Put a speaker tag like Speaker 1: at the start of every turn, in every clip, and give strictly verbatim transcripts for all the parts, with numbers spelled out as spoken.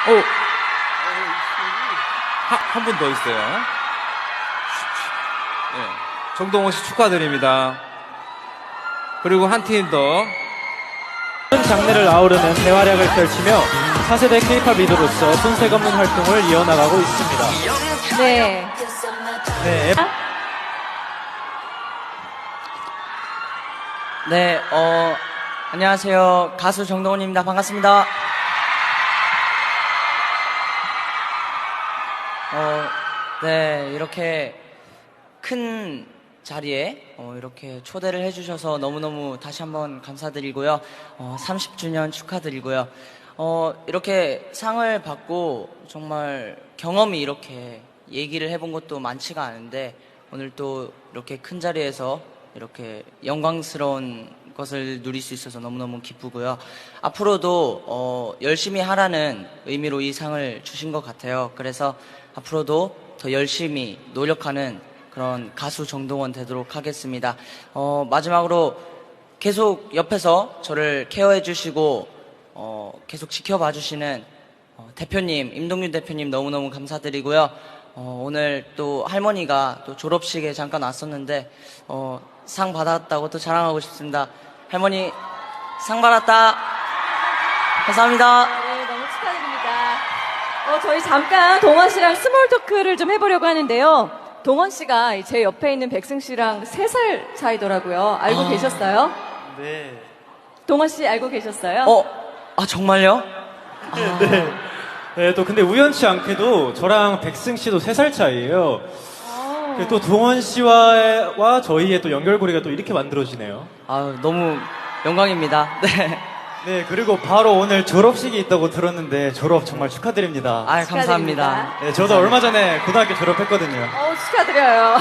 Speaker 1: 오, 한 분 더 있어요. 네. 정동원 씨 축하드립니다. 그리고 한 팀 더.
Speaker 2: 모든 장르를 아우르는 대활약을 펼치며 차세대 케이팝 리더로서 손색 없는 활동을 이어나가고 있습니다.
Speaker 3: 네.
Speaker 2: 네,
Speaker 4: 네, 어, 안녕하세요. 가수 정동원입니다. 반갑습니다. 어, 네, 이렇게 큰 자리에 어, 이렇게 초대를 해주셔서 너무너무 다시 한번 감사드리고요. 어, 삼십 주년 축하드리고요. 어, 이렇게 상을 받고 정말 경험이 이렇게 얘기를 해본 것도 많지가 않은데 오늘 또 이렇게 큰 자리에서 이렇게 영광스러운 것을 누릴 수 있어서 너무너무 기쁘고요. 앞으로도 어, 열심히 하라는 의미로 이 상을 주신 것 같아요. 그래서 앞으로도 더 열심히 노력하는 그런 가수 정동원 되도록 하겠습니다. 어, 마지막으로 계속 옆에서 저를 케어해 주시고 어, 계속 지켜봐 주시는 어, 대표님, 임동윤 대표님 너무너무 감사드리고요. 어, 오늘 또 할머니가 또 졸업식에 잠깐 왔었는데 어, 상 받았다고 또 자랑하고 싶습니다. 할머니 상 받았다. 감사합니다.
Speaker 3: 네, 너무 축하드립니다. 어, 저희 잠깐 동원 씨랑 스몰 토크를 좀 해보려고 하는데요. 동원 씨가 제 옆에 있는 백승 씨랑 세 살 차이더라고요. 알고
Speaker 4: 아.
Speaker 3: 계셨어요?
Speaker 2: 네.
Speaker 3: 동원 씨 알고 계셨어요?
Speaker 4: 어, 아 정말요?
Speaker 2: 네. 네, 또 근데 우연치 않게도 저랑 백승 씨도 세 살 차이예요. 그리고 또 동원 씨와 와 저희의 또 연결고리가 또 이렇게 만들어지네요.
Speaker 4: 아 너무 영광입니다. 네.
Speaker 5: 네, 그리고 바로 오늘 졸업식이 있다고 들었는데 졸업 정말 축하드립니다.
Speaker 4: 아
Speaker 3: 축하드립니다.
Speaker 4: 감사합니다.
Speaker 5: 네, 저도 얼마 전에 고등학교 졸업했거든요.
Speaker 3: 어, 축하드려요.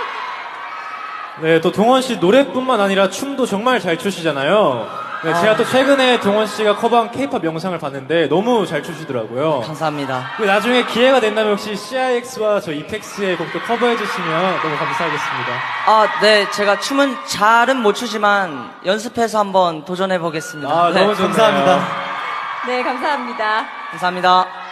Speaker 2: 네, 또 동원 씨 노래뿐만 아니라 춤도 정말 잘 추시잖아요. 네,
Speaker 4: 아.
Speaker 2: 제가 또 최근에 동원 씨가 커버한 케이팝 영상을 봤는데 너무 잘 추시더라고요.
Speaker 4: 감사합니다.
Speaker 2: 그리고 나중에 기회가 된다면 혹시 씨아이엑스와 저 이펙스의 곡도 커버해 주시면 너무 감사하겠습니다.
Speaker 4: 아, 네, 제가 춤은 잘은 못 추지만 연습해서 한번 도전해 보겠습니다.
Speaker 2: 아,
Speaker 4: 네,
Speaker 2: 너무 좋네요.
Speaker 5: 감사합니다.
Speaker 3: 네, 감사합니다.
Speaker 4: 감사합니다.